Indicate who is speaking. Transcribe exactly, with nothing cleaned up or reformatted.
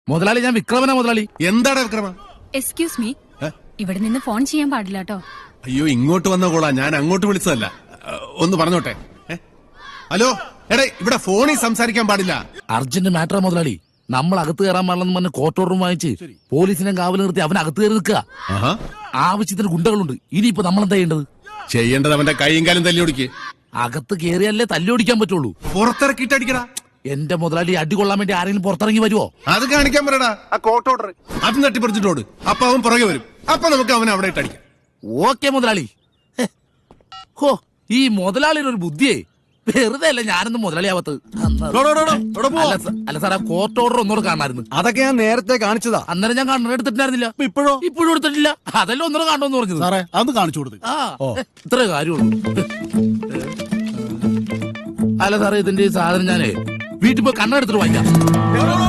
Speaker 1: മുതലാളി ഞാൻ വിക്രമനാ മുതലാളി.
Speaker 2: എന്താണ് വിക്രമ?
Speaker 3: എക്സ്ക്യൂസ് മീ, ഇവിടെ നിന്ന് ഫോൺ ചെയ്യാൻ പാടില്ല കേട്ടോ.
Speaker 2: അയ്യോ, ഇങ്ങോട്ട് വന്ന കോളാ, ഞാൻ അങ്ങോട്ട് വിളിച്ചതല്ല. ഒന്ന് പറഞ്ഞോട്ടെ. ഹലോ, എടേ, ഇവിടെ ഫോണിൽ സംസാരിക്കാൻ പാടില്ല.
Speaker 1: അർജന്റ് മാറ്ററാ മുതലാളി. നമ്മൾ അകത്ത് കയറാൻ പാടില്ലെന്ന് പറഞ്ഞ് കോർട്ട് ഓർഡറും വാങ്ങിച്ച് പോലീസിനെ കാവൽ നിർത്തി അവൻ അകത്ത് കയറി നിൽക്കുക. ആവശ്യത്തിന് ഗുണ്ടകളുണ്ട്. ഇനിയിപ്പോ നമ്മൾ എന്താ ചെയ്യേണ്ടത്?
Speaker 2: ചെയ്യേണ്ടത് അവന്റെ കൈയും കാലും തല്ലി ഓടിക്ക്.
Speaker 1: അകത്ത് കയറിയല്ലേ തല്ലി ഓടിക്കാൻ പറ്റുള്ളൂ.
Speaker 2: പുറത്തിറക്കിയിട്ട് അടിക്കടാ.
Speaker 1: എന്റെ മുതലാളി അടി കൊള്ളാൻ വേണ്ടി ആരെങ്കിലും പുറത്തിറങ്ങി വരുമോ?
Speaker 2: അത് കാണിക്കാൻ പറയടാ. ആ കോർട്ട് ഓർഡർ അത് തട്ടിപ്പറിച്ചിട്ടോട്. അപ്പൊ അവൻ പുറകെ വരും. അപ്പൊ നമുക്ക് അവനെ അവിടെ ഇട്ട് അടിക്കാം.
Speaker 1: ഓക്കെ മുതലാളി. ഹോ, ഈ മുതലാളിയുടെ ഒരു ബുദ്ധിയേ. വെറുതെ അല്ല ഞാനൊന്നും മുതലാളിയാവത്ത്. അല്ല സാറേ, കോർട്ട് ഓർഡർ ഒന്നുകൂടെ കാണാമായിരുന്നു.
Speaker 4: അതൊക്കെ ഞാൻ നേരത്തെ കാണിച്ചതാ.
Speaker 1: അന്നേരം ഞാൻ കണ്ണട എടുത്തിട്ടുണ്ടായിരുന്നില്ല.
Speaker 4: ഇപ്പോഴോ?
Speaker 1: ഇപ്പോഴും എടുത്തിട്ടില്ല. അതെല്ലാം ഒന്നുകൂടെ കാണണമെന്ന് പറഞ്ഞത്.
Speaker 4: സാറേ, അത് കാണിച്ചു കൊടുത്തു.
Speaker 1: ആ, ഇത്രേ കാര്യമുള്ളൂ. അല്ല സാറേ, ഇതിന്റെ ഈ സാധനം ഞാനേ വീട്ടിൽ പോയി കണ്ണെടുത്തിട്ട് വാങ്ങിക്കാം.